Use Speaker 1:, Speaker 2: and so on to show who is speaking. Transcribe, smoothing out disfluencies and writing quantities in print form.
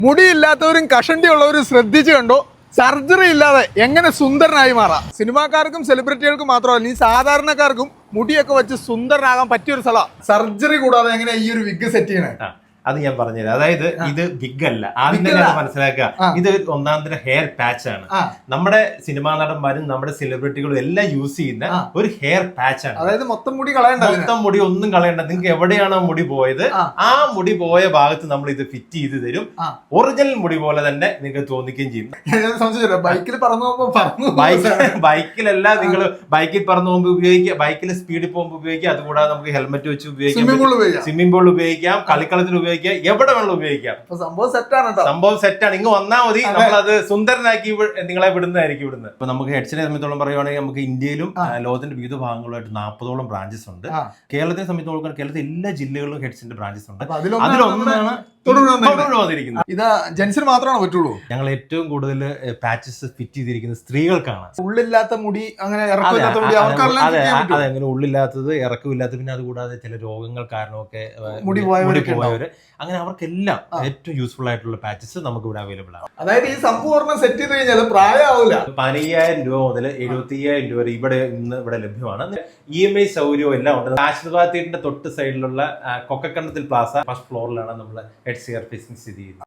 Speaker 1: മുടിയില്ലാത്തവരും കഷണ്ടിയുള്ളവരും ശ്രദ്ധിച്ചു കണ്ടോ, സർജറി ഇല്ലാതെ എങ്ങനെ സുന്ദരനായി മാറാം. സിനിമാക്കാർക്കും സെലിബ്രിറ്റികൾക്കും മാത്രമല്ല, ഈ സാധാരണക്കാർക്കും മുടിയൊക്കെ വെച്ച് സുന്ദരനാകാൻ പറ്റിയൊരു സ്ഥലം. സർജറി കൂടാതെ എങ്ങനെ ഈ ഒരു വിഗ് സെറ്റ് ചെയ്യണേ?
Speaker 2: അത് ഞാൻ പറഞ്ഞുതരാം. അതായത് ഇത് ബിഗ് അല്ല, ആദ്യം തന്നെ മനസ്സിലാക്കുക. ഇത് ഒന്നാന്തര ഹെയർ പാച്ച് ആണ്. നമ്മുടെ സിനിമാ നടന്മാരും നമ്മുടെ സെലിബ്രിറ്റികളും എല്ലാം യൂസ് ചെയ്യുന്ന ഒരു ഹെയർ പാച്ച് ആണ്.
Speaker 1: അതായത് മൊത്തം മുടി കളയണ്ട,
Speaker 2: മൊത്തം മുടി ഒന്നും കളയണ്ട. നിങ്ങൾക്ക് എവിടെയാണോ മുടി പോയത് ആ മുടി പോയ ഭാഗത്ത് നമ്മൾ ഇത് ഫിറ്റ് ചെയ്ത് തരും. ഒറിജിനൽ മുടി പോലെ തന്നെ നിങ്ങൾക്ക് തോന്നിക്കുകയും ചെയ്യും.
Speaker 1: ബൈക്കിൽ പറന്നു
Speaker 2: ബൈക്കിലല്ല, നിങ്ങൾ ബൈക്കിൽ പറന്നു പോകുമ്പോൾ ഉപയോഗിക്കുക, ബൈക്കിൽ സ്പീഡിൽ പോകുമ്പോൾ ഉപയോഗിക്കുക. അതുകൂടാതെ നമുക്ക് ഹെൽമെറ്റ് വെച്ച് ഉപയോഗിക്കാം, സ്വിമ്മിംഗ് പൂളിൽ ഉപയോഗിക്കാം, കളിക്കളത്തിൽ ഉപയോഗിക്കാം, എവിടെ വേണം ഉപയോഗിക്കാം. സംഭവം സെറ്റാണ്. ഇങ്ങ് വന്നാൽ മതി, നമ്മളത് സുന്ദരനാക്കി നിങ്ങളെ വിടുന്നതായിരിക്കും. ഇവിടുന്ന് ഇപ്പൊ നമുക്ക് ഹെഡ്സിനെ സംബന്ധിച്ചോളം പറയുവാണെങ്കിൽ നമുക്ക് ഇന്ത്യയിലും ലോകത്തിന്റെ വിവിധ ഭാഗങ്ങളുമായിട്ട് 40ഓളം ബ്രാഞ്ചസ് ഉണ്ട്. കേരളത്തെ സംബന്ധിച്ചോളം കേരളത്തിൽ എല്ലാ ജില്ലകളിലും ഹെഡ്സിന്റെ ബ്രാഞ്ചസ് ഉണ്ട്. അതിലൊന്നാണ്
Speaker 1: ഇത് ജെൻസിന് മാത്രമാണ് പറ്റുള്ളൂ.
Speaker 2: ഞങ്ങൾ ഏറ്റവും കൂടുതൽ പാച്ചസ് ഫിറ്റ് ചെയ്തിരിക്കുന്നത് സ്ത്രീകൾക്കാണ്.
Speaker 1: ഉള്ളില്ലാത്ത മുടി, അങ്ങനെ
Speaker 2: അതെ, അങ്ങനെ ഉള്ളില്ലാത്തത്, ഇറക്കമില്ലാത്തത്, പിന്നെ അതുകൂടാതെ ചില രോഗങ്ങൾ കാരണമൊക്കെ മുടി പോയവര്, അങ്ങനെ അവർക്കെല്ലാം ഏറ്റവും യൂസ്ഫുൾ ആയിട്ടുള്ള പാച്ചസ് നമുക്ക് ഇവിടെ അവൈലബിൾ ആണ്.
Speaker 1: അതായത് ഈ സംഭവം സെറ്റ് ചെയ്ത് കഴിഞ്ഞാൽ പ്രായമാവില്ല.
Speaker 2: 15,000 രൂപ മുതൽ 75,000 രൂപ വരെ ഇവിടെ ലഭ്യമാണ്. EMI സൗകര്യവും എല്ലാം ഉണ്ട്. ആശീർവാദ് തിയേറ്ററിന്റെ തൊട്ട് സൈഡിലുള്ള കൊക്കക്കണ്ടത്തിൽ പ്ലാസ ഫസ്റ്റ് ഫ്ലോറിലാണ് നമ്മൾ ഹെഡ് ഹെയർ ഫിറ്റിംഗ് സ്ഥിതി ചെയ്യുന്നത്.